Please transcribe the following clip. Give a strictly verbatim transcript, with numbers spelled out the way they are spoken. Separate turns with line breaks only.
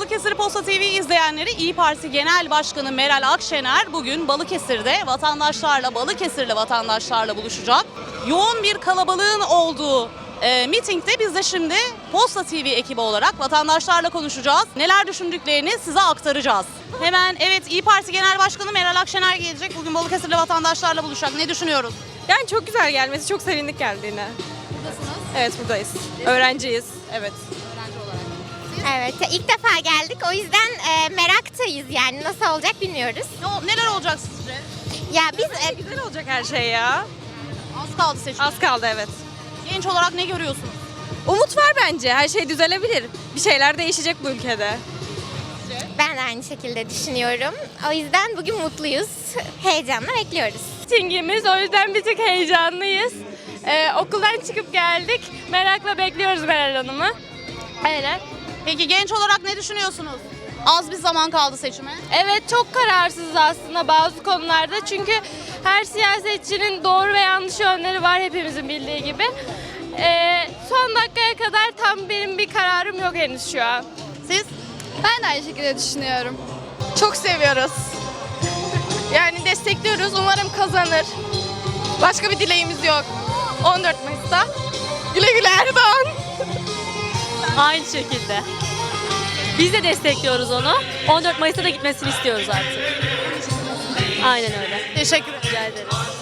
Balıkesir Posta T V izleyenleri, İyi Parti Genel Başkanı Meral Akşener bugün Balıkesir'de vatandaşlarla, Balıkesirli vatandaşlarla buluşacak. Yoğun bir kalabalığın olduğu e, mitingde biz de şimdi Posta T V ekibi olarak vatandaşlarla konuşacağız. Neler düşündüklerini size aktaracağız. Hemen evet, İyi Parti Genel Başkanı Meral Akşener gelecek. Bugün Balıkesirli vatandaşlarla buluşacak. Ne düşünüyoruz?
Yani çok güzel gelmesi, çok sevindik geldiğine.
Buradasınız.
Evet, buradayız. Öğrenciyiz. Evet.
Öğrenci olarak.
Evet, ilk defa geldik. O yüzden e, meraktayız yani. Nasıl olacak bilmiyoruz.
Ne, neler olacak sizce?
Ya biz e,
Güzel olacak her şey ya.
Az kaldı seçim.
Az kaldı, evet.
Genç olarak ne görüyorsunuz?
Umut var bence. Her şey düzelebilir. Bir şeyler değişecek bu ülkede.
ben de aynı şekilde düşünüyorum. O yüzden bugün mutluyuz. Heyecanla bekliyoruz.
Mitingimiz, o yüzden bir tık heyecanlıyız. Ee, okuldan çıkıp geldik. Merakla bekliyoruz Meral Hanım'ı. Öyle.
Peki genç olarak ne düşünüyorsunuz? Az bir zaman kaldı seçime.
Evet, çok kararsızız aslında bazı konularda. Çünkü her siyasetçinin doğru ve yanlış yönleri var, hepimizin bildiği gibi. Ee, son dakikaya kadar tam benim bir kararım yok henüz şu an.
Siz?
Ben de aynı şekilde düşünüyorum. Çok seviyoruz. Yani destekliyoruz. Umarım kazanır. Başka bir dileğimiz yok. on dört Mayıs'ta. Güle güle Erdoğan.
Aynı şekilde. Biz de destekliyoruz onu. on dört Mayıs'ta da gitmesini istiyoruz artık. Aynen öyle.
Teşekkür ederim.
Rica ederiz.